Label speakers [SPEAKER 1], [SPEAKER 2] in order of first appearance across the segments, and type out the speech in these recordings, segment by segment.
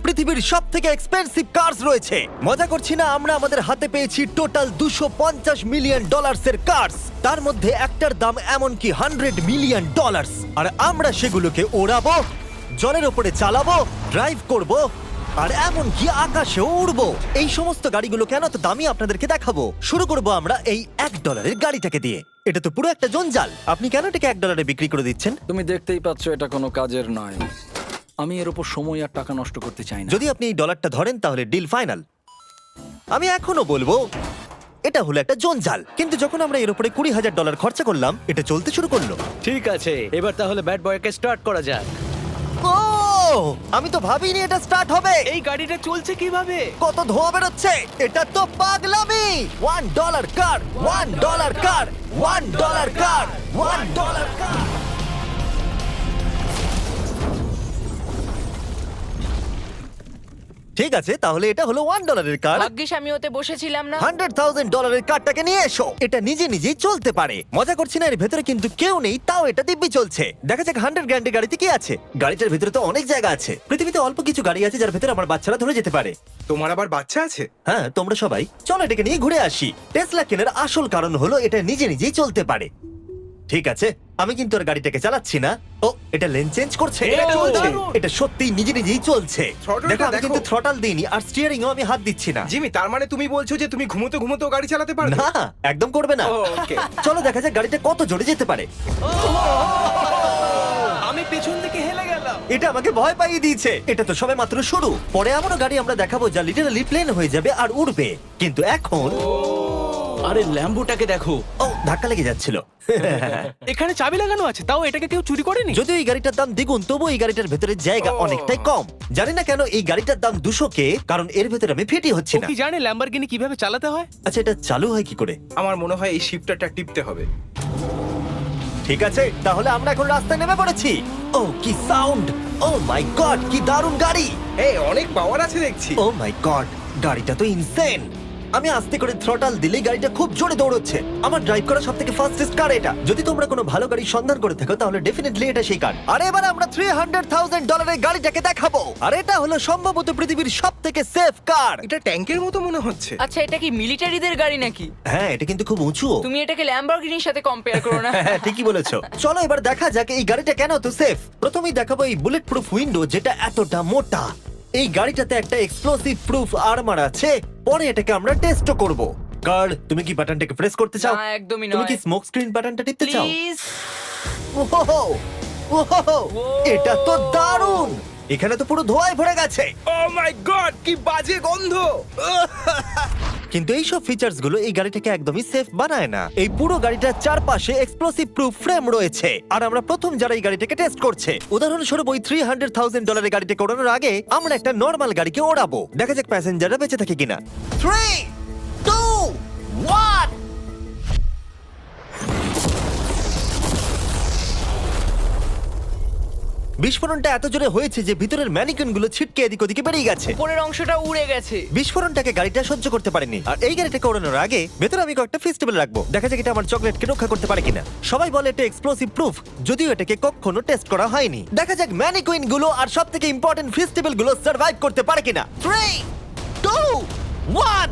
[SPEAKER 1] পৃথিবীর সবথেকে expensive curse রয়েছে। মজা করছি না, আমরা আমাদের হাতে পেয়েছি টোটাল $250 মিলিয়ন এর কার্স। তার মধ্যে একটার দাম এমনকি $100 মিলিয়ন। আর আমরা সেগুলোকে ওড়াবো, জলের ওপরে চালাবো, ড্রাইভ করব, আর এমনকি আকাশেও উড়বো। এই সমস্ত গাড়িগুলো কেন তো দামি আপনাদেরকে দেখাবো। শুরু করব আমরা এই $1 গাড়িটাকে দিয়ে। এটা তো পুরো একটা জঞ্জাল। আপনি কেন এটাকে $1 বিক্রি করে দিচ্ছেন?
[SPEAKER 2] তুমি দেখতেই পাচ্ছ এটা কোনো কাজের নয়। আমি এর উপর সময় আর টাকা নষ্ট করতে চাই না।
[SPEAKER 1] যদি আপনি এই ডলারটা ধরেন তাহলে ডিল ফাইনাল। আমি এখনো বলবো এটা হলো একটা জঞ্জাল, কিন্তু যখন আমরা এর উপরে $20,000 খরচা করলাম, এটা চলতে শুরু করলো।
[SPEAKER 3] ঠিক আছে, এবার তাহলে ব্যাড বয়কে স্টার্ট করা যাক।
[SPEAKER 1] ও, আমি তো ভাবিনি এটা স্টার্ট হবে।
[SPEAKER 3] এই গাড়িটা চলছে কিভাবে?
[SPEAKER 1] কত ধোঁয়া বেরোচ্ছে, এটা তো পাগলামি। $1 কার, $1 কার, $1 কার, $1 কার। ঠিক আছে, তাহলে এটা হলো $1 কার।
[SPEAKER 4] ভাগ্যিস আমি ওতে বসেছিলাম না।
[SPEAKER 1] $100,000 কারটাকে নিয়ে এসো। এটা নিজে নিজেই চলতে পারে। মজা করছি না, এর ভেতরে কিন্তু কেউ নেই, তাও এটা দিব্যি চলছে। দেখা যাক 100 গ্র্যান্ডের গাড়িতে কি আছে। গাড়িটার ভেতরে তো অনেক জায়গা আছে। পৃথিবীতে অল্প কিছু গাড়ি আছে যার ভেতরে আমার বাচ্চারা ধরে যেতে পারে।
[SPEAKER 5] তোমার আবার বাচ্চা আছে?
[SPEAKER 1] হ্যাঁ, তোমরা সবাই চলো এটাকে নিয়ে ঘুরে আসি। টেসলা কেনার আসল কারণ হলো এটা নিজে নিজেই চলতে পারে। ঠিক আছে, আমি কিন্তু আর গাড়িটাকে চালাচ্ছি না। ও, এটা লেন চেঞ্জ করছে।
[SPEAKER 5] এটা চলছে।
[SPEAKER 1] এটা সত্যিই নিজে নিজেই চলছে।
[SPEAKER 5] Throttle-টা
[SPEAKER 1] দেখো, আমি
[SPEAKER 5] দেখো।
[SPEAKER 1] কিন্তু থ্রটাল দিইনি, আর স্টিয়ারিংও আমি হাত দিচ্ছি না।
[SPEAKER 5] জিমি, তার মানে তুমি বলছো যে তুমি ঘুমোতে ঘুমোতে গাড়ি চালাতে পারবে?
[SPEAKER 1] না, একদম করবে না।
[SPEAKER 5] ও, okay.
[SPEAKER 1] চলো দেখা যাক গাড়িটা কত জোরে যেতে পারে।
[SPEAKER 3] আমি পেছন থেকে হেলে গেলাম।
[SPEAKER 1] এটা আমাকে ভয় পাইয়ে দিয়েছে। এটা তো সবে মাত্র শুরু। পরে এমনও গাড়ি আমরা দেখাবো যা লিটারালি প্লেন হয়ে যাবে আর উড়বে। কিন্তু এখন
[SPEAKER 3] আরে ল্যাম্বোটাকে দেখো,
[SPEAKER 1] ও, ধাক্কা লেগে যাচ্ছিল।
[SPEAKER 3] এখানে চাবি লাগানো আছে, তাও এটাকে কেউ চুরি করেনি।
[SPEAKER 1] যদিও এই গাড়িটার দাম দ্বিগুণ, তবু এই গাড়িটার ভেতরে জায়গা অনেকটাই কম। জানি না কেন এই গাড়িটার দাম 200K, কারণ এর ভেতরে আমি ফিটি হচ্ছে
[SPEAKER 3] ও
[SPEAKER 1] না।
[SPEAKER 3] কি জানে ল্যাম্বরগিনি কিভাবে চালাতে হয়?
[SPEAKER 1] আচ্ছা, এটা চালু হয় কি করে?
[SPEAKER 5] আমার মনে হয় এই শিফটারটা টিপতে হবে।
[SPEAKER 1] ঠিক আছে, তাহলে আমরা এখন রাস্তায় নেমে পড়েছি। ও, কি সাউন্ড! ও মাই গড, কি দারুণ গাড়ি!
[SPEAKER 5] এই অনেক পাওয়ার আছে দেখছি।
[SPEAKER 1] ও মাই গড, গাড়িটা তো ইনসেন। আমি আস্তে করে থ্রটাল দিলেই গাড়িটা খুব জোরে দৌড়চ্ছে। আমার ড্রাইভ করা সবথেকে ফাস্টেস্ট কার এটা। যদি তোমরা কোনো ভালো গাড়ির সন্ধান করে থাকো তাহলে ডেফিনেটলি এটা সেই কার। আর এবার আমরা $300,000 এর গাড়িটাকে দেখাবো। আর এটা হলো সম্ভবত পৃথিবীর সবথেকে সেফ কার।
[SPEAKER 5] এটা ট্যাঙ্কের মতো মনে হচ্ছে।
[SPEAKER 4] আচ্ছা, এটা কি মিলিটারিদের গাড়ি নাকি?
[SPEAKER 1] হ্যাঁ, এটা কিন্তু খুব উঁচু।
[SPEAKER 4] তুমি এটাকে ল্যাম্বরগিনির সাথে কম্পেয়ার করো না।
[SPEAKER 1] হ্যাঁ, ঠিকই বলেছো। চলো এবার দেখা যাক এই গাড়িটা কেন তো সেফ। প্রথমেই দেখাবো এই বুলেট প্রুফ উইন্ডো, যেটা এতটা মোটা। এই গাড়িটাতে একটা এক্সপ্লোসিভ প্রুফ আর্মার আছে। পরে এটাকে আমরা টেস্টও করব। কার্ল, তুমি কি বাটনটাকে প্রেস করতে চাও?
[SPEAKER 4] না, একদমই
[SPEAKER 1] তুমি
[SPEAKER 4] নয়।
[SPEAKER 1] কি স্মোক স্ক্রিন বাটনটা টিপতে চাও?
[SPEAKER 4] প্লিজ।
[SPEAKER 1] ওহো, ওহো, এটা তো দারুণ। এখানে তো পুরো ধোঁয়ায় ভরে গেছে।
[SPEAKER 5] ও মাই গড, কি বাজে গন্ধ!
[SPEAKER 1] কিন্তু এই সব ফিচার্স গুলো এই গাড়িটাকে একদমই সেফ বানায় না। এই পুরো গাড়িটার চারপাশে এক্সপ্লোসিভ প্রুফ ফ্রেম রয়েছে। আর আমরা প্রথম যারা এই গাড়িটাকে টেস্ট করছে, উদাহরণস্বরূপ ওই $300,000 এর গাড়িটাকে ওড়ানোর আগে আমরা একটা নর্মাল গাড়িকে ওড়াবো। দেখা যাক প্যাসেঞ্জাররা বেঁচে থাকে কিনা। 3, 2, 1। বিস্ফোরণটা এত জোরে হয়েছে যে ভিতরের ম্যানিকুইন গুলো ছিটকে এদিক ওদিকে বেরিয়ে গেছে।
[SPEAKER 4] উপরের অংশটা উড়ে গেছে।
[SPEAKER 1] বিস্ফোরণটাকে গাড়িটা সহ্য করতে পারেনি। আর এই গাড়িটাকে ওড়ানোর আগে ভেতরে আমি কয়েকটা ফেস্টিভ্যাল রাখবো, দেখা যাক এটা আমার চকলেটকে রক্ষা করতে পারে কিনা। সবাই বলে এটা এক্সপ্লোসিভ প্রুফ, যদিও এটাকে কখনো টেস্ট করা হয়নি। দেখা যাক ম্যানিকুইন গুলো আর সবথেকে ইম্পর্টেন্ট ফেস্টিভ্যাল গুলো সার্ভাইভ করতে পারে কিনা। 3, 2, 1।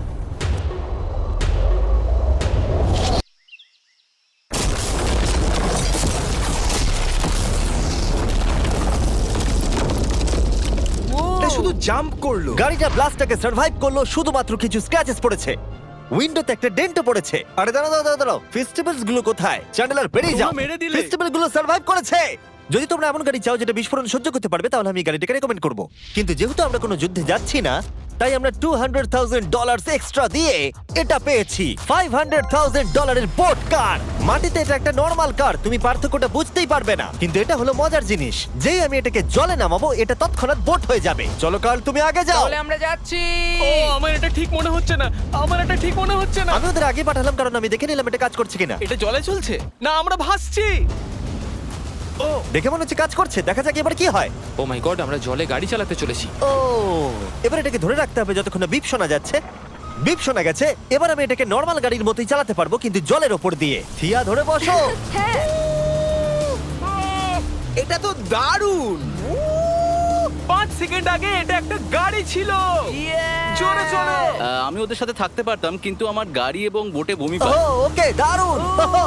[SPEAKER 5] এটা শুধু জাম্প করলো।
[SPEAKER 1] গাড়িটা ব্লাস্টটাকে সার্ভাইভ করলো, শুধুমাত্র কিছু স্ক্র্যাচেস পড়েছে। উইন্ডোতে একটা ডেন্টও পড়েছে। আরে দাঁড়াও, ফেস্টিভ্যালস গুলো কোথায়? চ্যান্ডেলার বেরিয়ে যাও।
[SPEAKER 3] তোমরা মেরে দিলে।
[SPEAKER 1] ফেস্টিভ্যাল গুলো সার্ভাইভ করেছে। যদি তোমরা এমন গাড়ি চাও যেটা বিস্ফোরণ সহ্য করতে পারবে, তাহলে আমি এই গাড়িটাকে রেকমেন্ড করব। কিন্তু যেহেতু আমরা কোনো যুদ্ধে যাচ্ছি না, তাই আমরা $200,000 এক্সট্রা দিয়ে এটা পেয়েছি। $500,000 এর বোট কার। মাটিতে এটা একটা নর্মাল কার, তুমি পার্থক্যটা বুঝতেই পারবে না। কিন্তু এটা হলো মজার জিনিস, যেই আমি এটাকে জলে নামাবো এটা তৎক্ষণাৎ বোট হয়ে যাবে। চলো কার্ল, তুমি আগে যাও।
[SPEAKER 4] তাহলে আমরা যাচ্ছি।
[SPEAKER 3] ও, আমার এটা ঠিক মনে হচ্ছে না, আমার এটা ঠিক মনে হচ্ছে না।
[SPEAKER 1] আমি ওদের আগে পাঠালাম কারণ আমি দেখে নিলাম এটা কাজ করছে কিনা।
[SPEAKER 3] এটা জলে চলছে না, আমরা ভাসছি। ও,
[SPEAKER 1] দেখে মনে হচ্ছে কাজ করছে, দেখা যাক এবার কি হয়।
[SPEAKER 6] ও মাই গড, আমরা জলে গাড়ি চালাতে চলেছি।
[SPEAKER 1] ও, এবার এটাকে ধরে রাখতে হবে যতক্ষণ না বিপ শোনা যাচ্ছে। বিপ শোনা গেছে, এবার আমি এটাকে নর্মাল গাড়ির মতোই চালাতে পারবো, কিন্তু জলের ওপর দিয়ে। থিয়া, ধরে বসো।
[SPEAKER 4] হ্যাঁ।
[SPEAKER 5] এটা তো দারুণ।
[SPEAKER 3] 5 সেকেন্ড আগে এটা একটা গাড়ি ছিল। জোরে চলো।
[SPEAKER 7] আমি ওদের সাথে থাকতে পারতাম কিন্তু আমার গাড়ি এবং বোটে বমি
[SPEAKER 1] ও
[SPEAKER 7] পায়।
[SPEAKER 1] ওকে দারুণ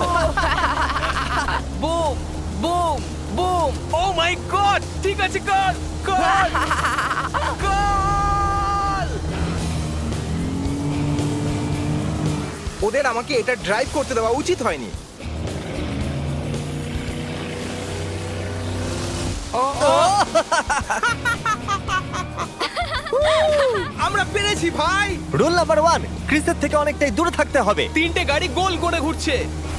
[SPEAKER 4] boom boom boom.
[SPEAKER 3] Oh my God, ঠিক আছে, কর কর কর।
[SPEAKER 5] ওদের আমাকে এটা ড্রাইভ করতে দেওয়া উচিত হয়নি। আমরা পেরেছি ভাই।
[SPEAKER 1] রুল নাম্বার 1, ক্রিসের থেকে অনেকটাই দূরে থাকতে হবে।
[SPEAKER 3] 3টে গাড়ি গোল করে ঘুরছে।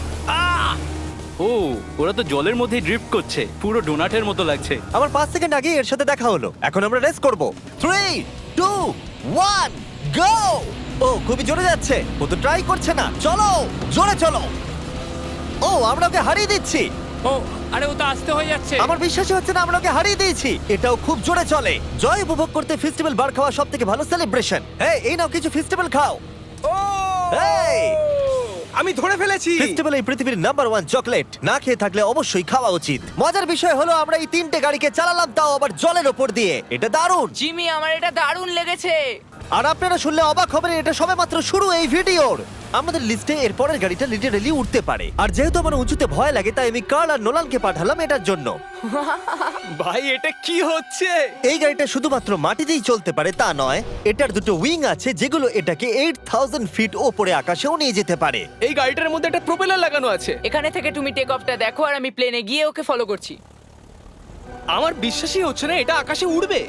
[SPEAKER 7] ও ওরা তো জলের মধ্যেই ড্রিফট করছে, পুরো ডোনাটের মতো লাগছে।
[SPEAKER 1] আমার 5 সেকেন্ড আগে এর সাথে দেখা হলো। এখন আমরা রেস করব। 3 2 1 গো। ও খুবই জোরে যাচ্ছে। ও তো ট্রাই করছে না। চলো জোরে চলো। ও আমরা ওকে হারিয়ে দিচ্ছি।
[SPEAKER 6] ও আরে ও তো আসতে হয়ে যাচ্ছে।
[SPEAKER 1] আমার বিশ্বাসই হচ্ছে না আমরা ওকে হারিয়ে দিয়েছি। এটাও খুব জোরে চলে। জয় উপভোগ করতে ফেস্টিভ্যাল বার খাওয়া সবথেকে ভালো সেলিব্রেশন। এই নাও কিছু ফেস্টিভ্যাল খাও।
[SPEAKER 5] ও
[SPEAKER 1] এই!
[SPEAKER 5] আমি ধরে ফেলেছি।
[SPEAKER 1] ফেস্টিভ্যাল এই পৃথিবীর নাম্বার 1 চকলেট। না খেয়ে থাকলে অবশ্যই খাওয়া উচিত। মজার বিষয় হলো আমরা এই 3টে গাড়িকে চালালাম, তাও আবার জলের ওপর দিয়ে। এটা দারুণ।
[SPEAKER 4] জিমি, আমার এটা দারুণ লেগেছে।
[SPEAKER 1] আর আপনারা শুনলে অবাক হবেন, এটা সবেমাত্র শুরু এই ভিডিওর। আমাদের লিস্টে এর পরের গাড়িটা লিটারালি উঠতে পারে। আর যেহেতু আমার উঁচুতে ভয় লাগে, তাই আমি কার্ল আর নোলানকে পাঠালাম এটার জন্য।
[SPEAKER 3] ভাই এটা কি হচ্ছে?
[SPEAKER 1] এই গাড়িটা শুধুমাত্র মাটিতেই চলতে পারে তা নয়, এটার দুটো উইং আছে যেগুলো এটাকে 8000 ফিট ওপরে আকাশেও নিয়ে যেতে পারে।
[SPEAKER 3] এই গাড়িটার মধ্যে একটা প্রপেলার লাগানো আছে।
[SPEAKER 4] এখানে থেকে তুমি টেক অফটা দেখো আর আমি প্লেনে গিয়ে ওকে ফলো করছি।
[SPEAKER 3] আমার বিশ্বাসই হচ্ছে না এটা আকাশে উড়বে।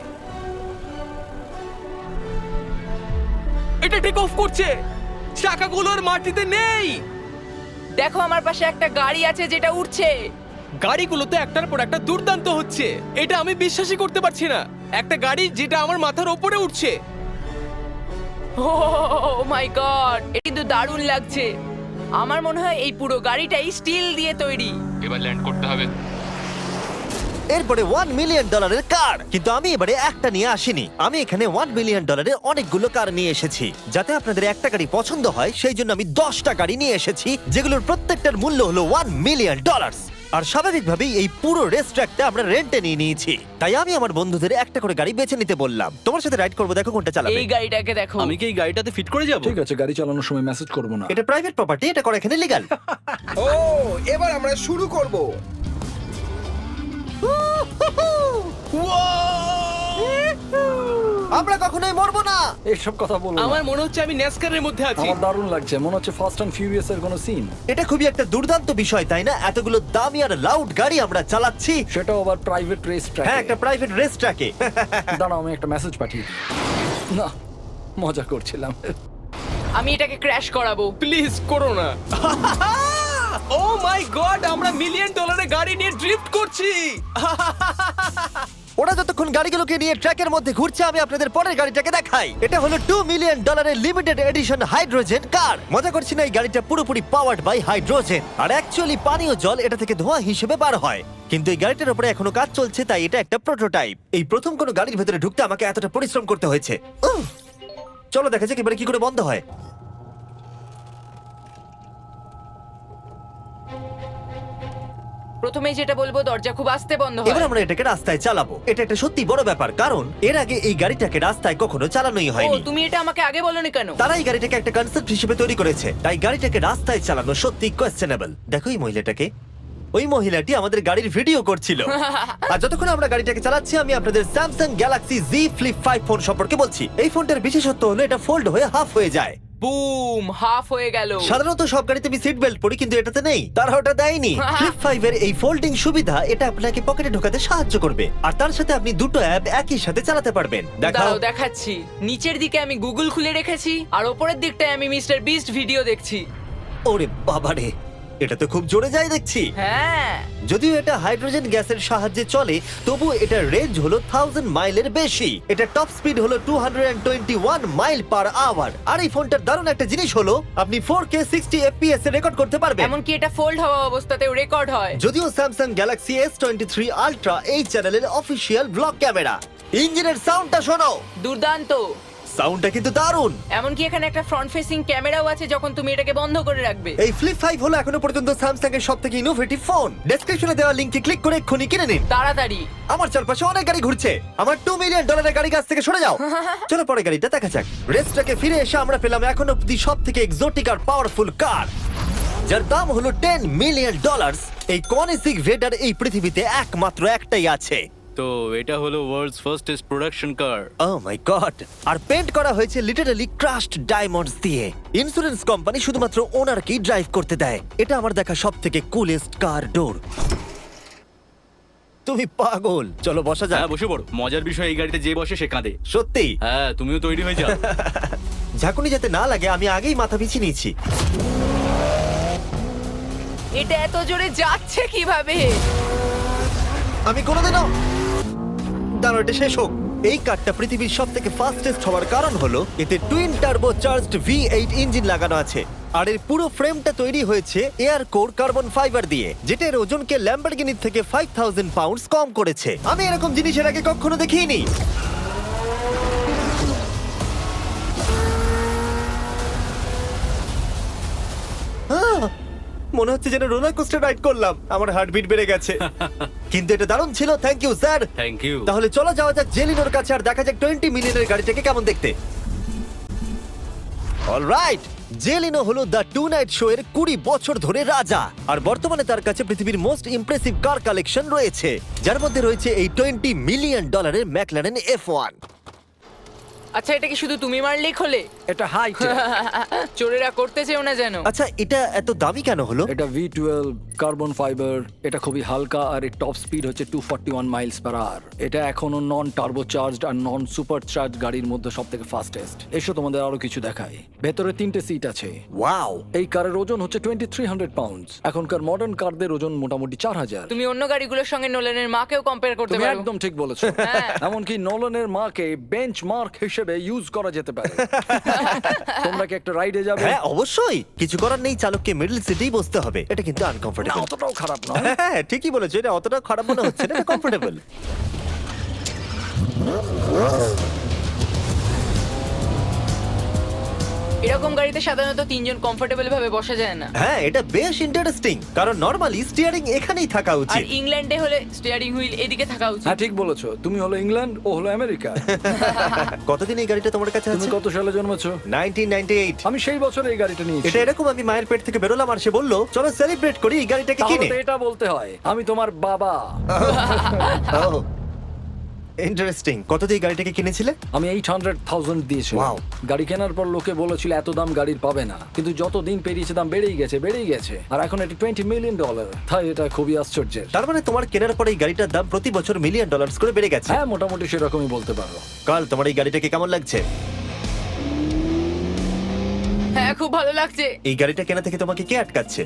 [SPEAKER 3] এটা টেক অফ করছে। চাকাগুলোর মাটিতে নেই।
[SPEAKER 4] দেখো আমার পাশে একটা গাড়ি আছে যেটা উঠছে।
[SPEAKER 3] গাড়িগুলোতে একটার পর একটা দুর্দান্ত হচ্ছে। এটা আমি বিশ্বাসই করতে পারছি না। একটা গাড়ি যেটা আমার মাথার ওপরে উঠছে।
[SPEAKER 4] ও মাই গড, এটা কিন্তু দারুণ লাগছে। আমার মনে হয় এই পুরো গাড়িটাই স্টিল দিয়ে তৈরি।
[SPEAKER 6] এবার ল্যান্ড করতে হবে।
[SPEAKER 1] এরপরে $1 মিলিয়ন কার। কিন্তু আমি এবারে একটা নিয়ে আসিনি। আমি এখানে $1 মিলিয়ন অনেকগুলো কার নিয়ে এসেছি। যাতে আপনাদের একটা গাড়ি পছন্দ হয় সেই জন্য আমি 10টা গাড়ি নিয়ে এসেছি, যেগুলোর প্রত্যেকটার মূল্য হলো $1 মিলিয়ন। আর স্বাভাবিকভাবেই এই পুরো রেস ট্র্যাকটা আমরা রেন্টে নিয়ে নিয়েছি। তাই আমি আমার বন্ধুদের একটা করে গাড়ি বেছে নিতে বললাম। তোমার সাথে রাইড করবো, দেখো কোনটা চালাবে।
[SPEAKER 4] এই গাড়িটাকে দেখো।
[SPEAKER 7] আমি কি এই গাড়িটাতে ফিট করে যাব?
[SPEAKER 2] ঠিক আছে, গাড়ি চালানোর সময় মেসেজ করবো না।
[SPEAKER 1] এটা প্রাইভেট প্রপার্টি, এটা করা এখানে লিগ্যাল।
[SPEAKER 5] ও এবার আমরা শুরু করব।
[SPEAKER 1] আমরা কখনোই মরবো না।
[SPEAKER 2] এইসব কথা বলবো না।
[SPEAKER 3] আমার মনে হচ্ছে আমি ন্যাসকারের মধ্যে আছি।
[SPEAKER 2] আমার দারুণ লাগছে, মনে হচ্ছে ফাস্ট অ্যান্ড ফিউরিয়াস এর কোনো সিন।
[SPEAKER 1] এটা খুবই একটা দুর্দান্ত বিষয়, তাই না? এতগুলো দামি আর লাউড গাড়ি আমরা চালাচ্ছি।
[SPEAKER 2] সেটাও আবার প্রাইভেট রেস ট্র্যাক।
[SPEAKER 1] হ্যাঁ, একটা প্রাইভেট রেস ট্র্যাকে।
[SPEAKER 2] দাঁড়াও, আমি একটা মেসেজ পাঠিয়ে দিই। না, মজা করছিলাম।
[SPEAKER 4] আমি এটাকে ক্র্যাশ করাবো।
[SPEAKER 3] প্লিজ করো না। ও মাই গড, আমরা $1 মিলিয়ন গাড়ি নিয়ে ড্রিফট করছি।
[SPEAKER 1] ওরা যতক্ষণ গাড়িগুলোকে নিয়ে ট্র্যাকের মধ্যে ঘুরছে, আমি আপনাদের পরের গাড়িটাকে দেখাই। এটা হলো $2 million limited edition hydrogen car. মজা করছি না, এই গাড়িটা পুরোপুরি পাওয়ার্ড বাই হাইড্রোজেন। আর অ্যাকচুয়ালি পানীয় জল এটা থেকে ধোঁয়া হিসেবে বার হয়। কিন্তু এই গাড়িটার উপরে এখনো কাজ চলছে, তাই এটা একটা প্রোটোটাইপ। এই প্রথম কোনো গাড়ির ভেতরে ঢুকতে আমাকে এতটা পরিশ্রম করতে হয়েছে। চলো দেখা যাক এবারে কি করে বন্ধ হয়।
[SPEAKER 4] প্রথমেই যেটা বলবো, দরজা খুব আস্তে বন্ধ
[SPEAKER 1] এবার
[SPEAKER 4] হয়।
[SPEAKER 1] আমরা এটাকে রাস্তায় চালাবো। এটা একটা সত্যি বড় ব্যাপার, কারণ এর আগে এই গাড়িটাকে রাস্তায় কখনো চালানোই
[SPEAKER 4] ও,
[SPEAKER 1] হয়নি।
[SPEAKER 4] তুমি এটা আমাকে আগে বলনি কেন?
[SPEAKER 1] তারা এই গাড়িটাকে একটা কনসেপ্ট হিসেবে তৈরি করেছে, তাই গাড়িটাকে রাস্তায় চালানো সত্যি কোয়েশ্চেনেবল। দেখো এই মহিলাটাকে, ওই মহিলাটি আমাদের গাড়ির ভিডিও করছিল। আর যতক্ষণ আমরা গাড়িটাকে চালাচ্ছি, আমি আপনাদের Samsung Galaxy Z Flip 5 phone সম্পর্কে বলছি। এই ফোনটার বিশেষত্ব হলো এটা ফোল্ড হয়ে হাফ হয়ে যায়।
[SPEAKER 4] বুম, হাফ হয়ে গেল।
[SPEAKER 1] সাধারণত সব গাড়িতে আমি সিট বেল্ট পরি, কিন্তু এটাতে নেই। তারা ওটা দেয়নি। ফ্লিপ 5 এর এই ফোল্ডিং সুবিধা এটা আপনাকে পকেটে ঢোকাতে সাহায্য করবে। আর তার সাথে আপনি দুটো অ্যাপ একই সাথে চালাতে পারবেন। দেখাও।
[SPEAKER 4] দাঁড়াও দেখাচ্ছি। নিচের দিকে আমি গুগল খুলে রেখেছি, আর ওপরের দিকটায় আমি মিস্টার বিস্ট ভিডিও দেখছি।
[SPEAKER 1] ওরে বাবারে, এটা তো খুব জোরে যায় দেখছি।
[SPEAKER 4] হ্যাঁ,
[SPEAKER 1] যদিও এটা হাইড্রোজেন গ্যাসের সাহায্যে চলে, তবু এটার রেঞ্জ হলো 1000 মাইলের বেশি। এটা টপ স্পিড হলো 221 মাইল পার আওয়ার। আর এই ফোনটার দারুণ একটা জিনিস হলো আপনি 4K 60 FPS এ রেকর্ড করতে পারবেন।
[SPEAKER 4] এমনকি এটা ফোল্ড হওয়া অবস্থাতেও রেকর্ড হয়।
[SPEAKER 1] যদিও স্যামসাং গ্যালাক্সি S23 আলট্রা এই চ্যানেলের অফিসিয়াল ব্লগ ক্যামেরা। ইঞ্জিনের সাউন্ডটা শোনো।
[SPEAKER 4] দুর্দান্ত।
[SPEAKER 1] সাউন্ডটা কিন্তু দারুণ।
[SPEAKER 4] এমনকি এখানে একটা ফ্রন্ট ফেসিং ক্যামেরাও আছে যখন তুমি এটাকে বন্ধ করে রাখবে।
[SPEAKER 1] এই ফ্লিপ 5 হলো এখনো পর্যন্ত স্যামসাং এর সবথেকে ইনোভেটিভ ফোন। ডেসক্রিপশনে দেওয়া লিংকে ক্লিক করে এক্ষুনি কিনে নিন।
[SPEAKER 4] তাড়াতাড়ি।
[SPEAKER 1] আমার চারপাশে অনেক গাড়ি ঘুরছে। আমার $2 মিলিয়ন গাড়ি কাছ থেকে সরে যাও। চলো পরে গাড়িটা দেখা যাক। রেসটাকে ফিরে এসে আমরা পেলাম এখন অব্দি সবথেকে এক্সোটিক আর পাওয়ারফুল কার, যার দাম হলো $10 মিলিয়ন। এই কনিসিক ভেডার এই পৃথিবীতে একমাত্র একটাই আছে।
[SPEAKER 7] তো এটা হলো world's fastest production car.
[SPEAKER 1] Oh my God! আর পেন্ট করা হয়েছে লিটারালি ক্রাশড ডায়মন্ডস দিয়ে। ইন্স্যুরেন্স কোম্পানি শুধুমাত্র ওনারকেই ড্রাইভ করতে দেয়। এটা আমার দেখা সবথেকে কুলেস্ট কার ডোর। তুমি পাগল। চলো বসা যাক।
[SPEAKER 7] হ্যাঁ বসে পড়ো। মজার বিষয় এই গাড়িতে যে বসে সে কাঁদে।
[SPEAKER 1] সত্যি
[SPEAKER 7] হ্যাঁ তুমিও তৈরি হয়ে যাও।
[SPEAKER 1] ঝাঁকুনি যাতে না লাগে আমি আগেই মাথা পিছিয়ে নিয়েছি।
[SPEAKER 4] এটা এত জোরে যাচ্ছে কিভাবে?
[SPEAKER 1] আমি কোনোদিনও দাঁড়ো, এটা শেষ হোক। এই কারটা পৃথিবীর সব থেকে ফাস্টেস্ট হওয়ার কারণ হলো এতে twin turbo charged V8 engine লাগানো আছে। আর এর পুরো ফ্রেমটা তৈরি হয়েছে এয়ার কোর কার্বন ফাইবার দিয়ে, যেটা এর ওজনকে ল্যাম্বরগিনির থেকে 5000 পাউন্ডস কম করেছে। আমি এরকম জিনিস এর আগে কখনো দেখিনি। মনে হচ্ছে যেন রোলার কোস্টার রাইড করলাম। আমার হার্টবিট বেড়ে গেছে। কিন্তু এটা দারুণ ছিল। Thank you sir.
[SPEAKER 7] Thank you.
[SPEAKER 1] তাহলে চলো যাওয়া যাক জেলিনোর কাছে আর দেখা যাক 20 মিলিয়নের গাড়িটাকে কেমন দেখতে। অলরাইট, জেলিনো হলো দ্য টু নাইট শো এর 20 বছর ধরে রাজা। আর বর্তমানে তার কাছে পৃথিবীর মোস্ট ইমপ্রেসিভ কার কালেকশন রয়েছে, যার মধ্যে রয়েছে এই $20 মিলিয়ন ম্যাকলারেন F1।
[SPEAKER 4] আচ্ছা, এটা কি শুধু তুমি মারলেই খোলে?
[SPEAKER 2] এটা হাই
[SPEAKER 4] চোরেরা করতে চেও না যেন।
[SPEAKER 1] আচ্ছা, এটা এত দামি কেন হলো?
[SPEAKER 2] এটা V12 কার্বন ফাইবার। এটা খুবই হালকা আর এর টপ স্পিড হচ্ছে 241 মাইলস পার আওয়ার। এটা এখনো নন টার্বো চার্জড আর নন সুপার চার্জ গাড়ির মধ্যে সবথেকে ফাস্টেস্ট। এসো তোমাদের আরো কিছু দেখাই। ভেতরে 3টে সিট আছে।
[SPEAKER 1] ওয়াও!
[SPEAKER 2] এই কারের ওজন হচ্ছে 2300 পাউন্ডস। এখনকার মডার্ন কারদের ওজন মোটামুটি 4000।
[SPEAKER 4] তুমি অন্য গাড়িগুলোর সঙ্গে নোলানের মাকেও কম্পেয়ার করতে
[SPEAKER 2] তুমি
[SPEAKER 4] পারো।
[SPEAKER 2] একদম ঠিক বলেছো।
[SPEAKER 4] হ্যাঁ।
[SPEAKER 2] এমনকি নোলানের মাকে বেঞ্চমার্ক হিসেবে ইউজ করা যেতে পারে। তোমরা কি একটা রাইডে যাবে?
[SPEAKER 1] হ্যাঁ অবশ্যই। কিছু করার নেই, চালককে মিডল সিটেই বসতে হবে। এটা কিন্তু
[SPEAKER 2] না,
[SPEAKER 1] আনকমফোর্টেবল।
[SPEAKER 2] অতটাও খারাপ নয়।
[SPEAKER 1] হ্যাঁ ঠিকই বলেছো, এটা অতটা খারাপ মনে হচ্ছে না, এটা কমফোর্টেবল।
[SPEAKER 4] এরকম গাড়িতে সাধারণত 3 জন কমফোর্টেবল ভাবে বসা যায় না।
[SPEAKER 1] হ্যাঁ এটা বেশ ইন্টারেস্টিং, কারণ নরমালি স্টিয়ারিং এখানেই থাকা
[SPEAKER 4] আর
[SPEAKER 1] উচিত।
[SPEAKER 4] ইংল্যান্ডে হলে স্টিয়ারিং হুইল এদিকে থাকা উচিত।
[SPEAKER 2] হ্যাঁ ঠিক বলেছো। তুমি হলো ইংল্যান্ড, ও হলো আমেরিকা।
[SPEAKER 1] কতদিন এই গাড়িটা তোমার কাছে
[SPEAKER 2] তুমি
[SPEAKER 1] আছে?
[SPEAKER 2] কত সালে জন্মেছো?
[SPEAKER 1] 1998।
[SPEAKER 2] আমি সেই বছর এই গাড়িটা নিয়েছি।
[SPEAKER 1] এটা এরকম আমি মায়ের পেট থেকে বেরোলাম আর সে বললো চলো সেলিব্রেট করি এই গাড়িটাকে
[SPEAKER 2] তাহলে
[SPEAKER 1] কিনে।
[SPEAKER 2] তো এটা বলতে হয় আমি তোমার বাবা।
[SPEAKER 1] ইন্টারেস্টিং। কত দিয়ে এই গাড়িটাকে কিনেছিলে?
[SPEAKER 2] আমি 800,000 দিয়েছি।
[SPEAKER 1] Wow.
[SPEAKER 2] গাড়ি কেনার পর লোকে বলেছিল এত দাম গাড়ির পাবে না, কিন্তু যত দিন পেরিয়েছে দাম বেড়েই গেছে। আর এখন এটা $20 মিলিয়ন। তাই এটা খুবই আশ্চর্যের।
[SPEAKER 1] তার মানে তোমার কেনার পরে এই গাড়িটার দাম প্রতি বছর $1 মিলিয়ন করে বেড়ে গেছে।
[SPEAKER 2] হ্যাঁ মোটামুটি সেরকমই বলতে পারো।
[SPEAKER 1] কাল তোমার এই গাড়িটাকে কেমন লাগছে?
[SPEAKER 4] হ্যাঁ খুব ভালো লাগছে।
[SPEAKER 1] এই গাড়িটা কেনা থেকে তোমাকে কে আটকাচ্ছে?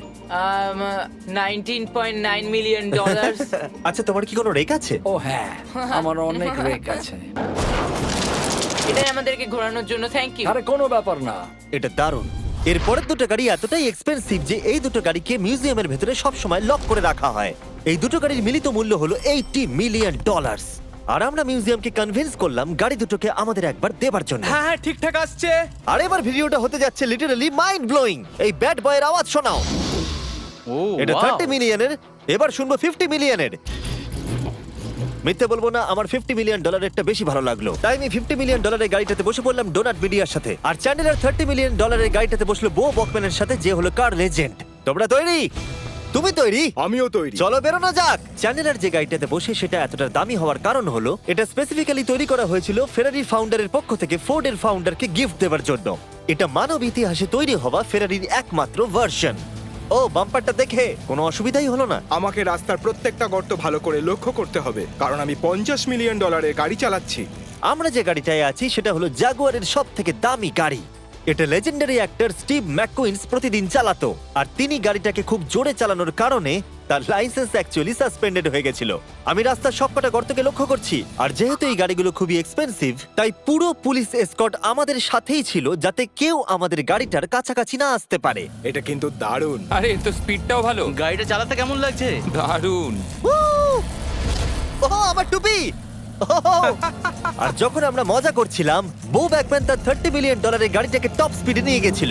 [SPEAKER 4] $19.9 মিলিয়ন।
[SPEAKER 1] আচ্ছা তোমার কি কোনো রেক আছে?
[SPEAKER 2] ও হ্যাঁ, আমার অনেক রেক আছে।
[SPEAKER 4] এটাই আমাদেরকে ঘোরানোর জন্য থ্যাংক ইউ।
[SPEAKER 2] আরে কোনো ব্যাপার না।
[SPEAKER 1] এটা দারুণ। এর পরের দুটো গাড়ি এতটাই এক্সপেন্সিভ যে এই দুটো গাড়িকে মিউজিয়ামের ভেতরে সব সময় লক করে রাখা হয়। এই দুটো গাড়ির মিলিত মূল্য হলো $80 মিলিয়ন। আর আমরা মিউজিয়ামকে কনভিন্স করলাম গাড়ি দুটোকে আমাদের একবার দেবার জন্য।
[SPEAKER 3] হ্যাঁ হ্যাঁ ঠিকঠাক আসছে।
[SPEAKER 1] আর এবার ভিডিওটা হতে যাচ্ছে লিটারালি মাইন্ড ব্লোয়িং। এই ব্যাড বয়ের আওয়াজ শোনাও।
[SPEAKER 7] ও
[SPEAKER 1] এটা
[SPEAKER 7] wow!
[SPEAKER 1] 30 মিলিয়নের, এবার শুনবো 50 মিলিয়নের। মিথ্যে বলবো না, আমার $50 মিলিয়ন বেশি ভালো লাগলো। তাই আমি $50 মিলিয়ন গাড়িটাতে বসে পড়লাম ডোনাট মিডিয়ার সাথে। আর চ্যানেলের $30 মিলিয়ন গাড়িটাতে বসলো বো বকম্যানের সাথে, যে হলো কার লেজেন্ড। তোমরা তৈরি? তুমি তৈরি?
[SPEAKER 5] আমিও তৈরি।
[SPEAKER 1] চলো বেরোনো যাক। চ্যানেলের যে গাড়িটাতে বসে সেটা এতটা দামি হওয়ার কারণ হলো এটা স্পেসিফিক্যালি তৈরি করা হয়েছিল ফেরারির ফাউন্ডারের পক্ষ থেকে ফোর্ডের ফাউন্ডারকে গিফট দেওয়ার জন্য। এটা মানব ইতিহাসে তৈরি হওয়া ফেরারির একমাত্র ভার্সন। ও বাম্পারটা দেখে কোনো অসুবিধাই হলো না।
[SPEAKER 5] আমাকে রাস্তার প্রত্যেকটা গর্ত ভালো করে লক্ষ্য করতে হবে, কারণ আমি $50 মিলিয়ন গাড়ি চালাচ্ছি।
[SPEAKER 1] আমরা যে গাড়িটায় আছি সেটা হলো জাগুয়ারের সব থেকে দামি গাড়ি। এটা লেজেন্ডারি অ্যাক্টর স্টিভ ম্যাককুইন্স প্রতিদিন চালাতো। আর তিনি গাড়িটাকে খুব জোরে চালানোর কারণে তার লাইসেন্স অ্যাকচুয়ালি সাসপেন্ডেড হয়ে গেছিল। আমি রাস্তার সবকটা গর্তকে লক্ষ্য করছি। আর যেহেতু এই গাড়িগুলো খুবই এক্সপেন্সিভ, তাই পুরো পুলিশ এসকর্ট আমাদের সাথেই ছিল, যাতে কেউ আমাদের গাড়িটার কাছাকাছি না আসতে পারে।
[SPEAKER 5] এটা কিন্তু দারুণ।
[SPEAKER 6] আরে এর তো স্পিডটাও ভালো।
[SPEAKER 7] গাড়িটা চালাতে কেমন লাগছে?
[SPEAKER 6] দারুণ।
[SPEAKER 1] ও আমার টুপি! আর যখন আমরা মজা করছিলাম, বো ব্যাকম্যান তার $30 বিলিয়ন গাড়িটাকে টপ স্পিডে নিয়ে গেছিল।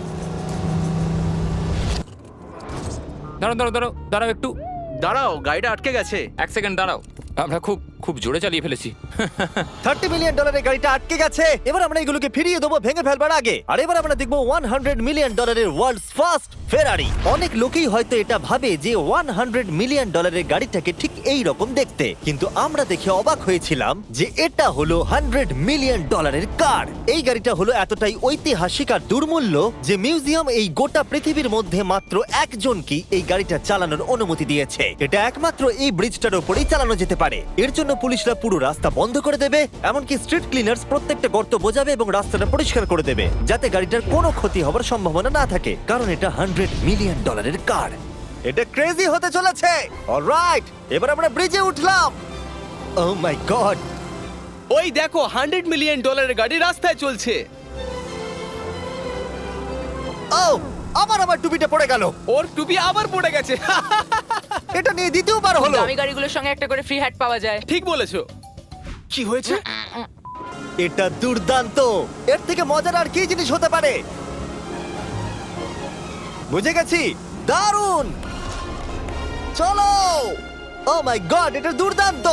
[SPEAKER 6] দাঁড়াও দাঁড়াও দাঁড়াও দাঁড়াও একটু
[SPEAKER 7] দাঁড়াও, গাড়িটা আটকে গেছে।
[SPEAKER 6] এক সেকেন্ড দাঁড়াও, আমরা খুব খুব জোরে চালিয়ে ফেলেছি।
[SPEAKER 1] $30 বিলিয়ন গাড়িটা আটকে গেছে। এবার আমরা এগুলোকে ফিরিয়ে দেবো ভেঙে ফেলবার আগে। আর এবার আমরা দেখবো $100 মিলিয়ন ওয়ার্ল্ডস ফার্স্ট ফেরারি। অনেক লোকেই হয়তো এটা ভাবে যে $100 মিলিয়ন গাড়িটাকে ঠিক এই রকম দেখতে, কিন্তু আমরা দেখে অবাক হয়েছিলাম যে এটা হলো $100 মিলিয়ন কার। এই গাড়িটা হলো এতটাই ঐতিহাসিক আর দুর্মূল্য যে মিউজিয়াম এই গোটা পৃথিবীর মধ্যে মাত্র একজনকেই এই গাড়িটা চালানোর অনুমতি দিয়েছে। এটা একমাত্র এই ব্রিজটার উপরেই চালানো যেতে পারে। এর জন্য পুলিশরা পুরো রাস্তা বন্ধ করে দেবে, এমনকি স্ট্রিট ক্লিনার্স প্রত্যেকটা গর্ত বোঝাবে এবং রাস্তাটা পরিষ্কার করে দেবে, যাতে গাড়িটার কোনো ক্ষতি হবার সম্ভাবনা না থাকে, কারণ এটা $100 মিলিয়ন কার। এটা ক্রেজি হতে চলেছে। অলরাইট, এবার আমরা ব্রিজে উঠলাম। ও মাই গড,
[SPEAKER 3] ওই দেখো $100 মিলিয়ন গাড়ি রাস্তায় চলছে।
[SPEAKER 1] ও আমার টুপিটা পড়ে গেল।
[SPEAKER 3] ওর টুপি আবার পড়ে গেছে।
[SPEAKER 1] এটা নিয়ে দ্বিতীয়বার হলো।
[SPEAKER 4] দামি গাড়িগুলোর সঙ্গে একটা করে ফ্রি হ্যাট পাওয়া যায়।
[SPEAKER 3] ঠিক বলেছো। কি হয়েছে?
[SPEAKER 1] এটা দুর্দান্ত। এর থেকে মজার আর কি জিনিস হতে পারে? বুঝে গেছি, দারুণ। চলো। ও মাই গড, এটা দুর্দান্ত।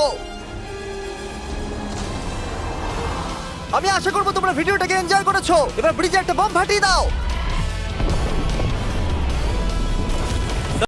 [SPEAKER 1] আমি আশা করবো তোমরা ভিডিওটাকে এনজয় করেছো। এবার ব্রিজে একটা বম ফাটিয়ে দাও।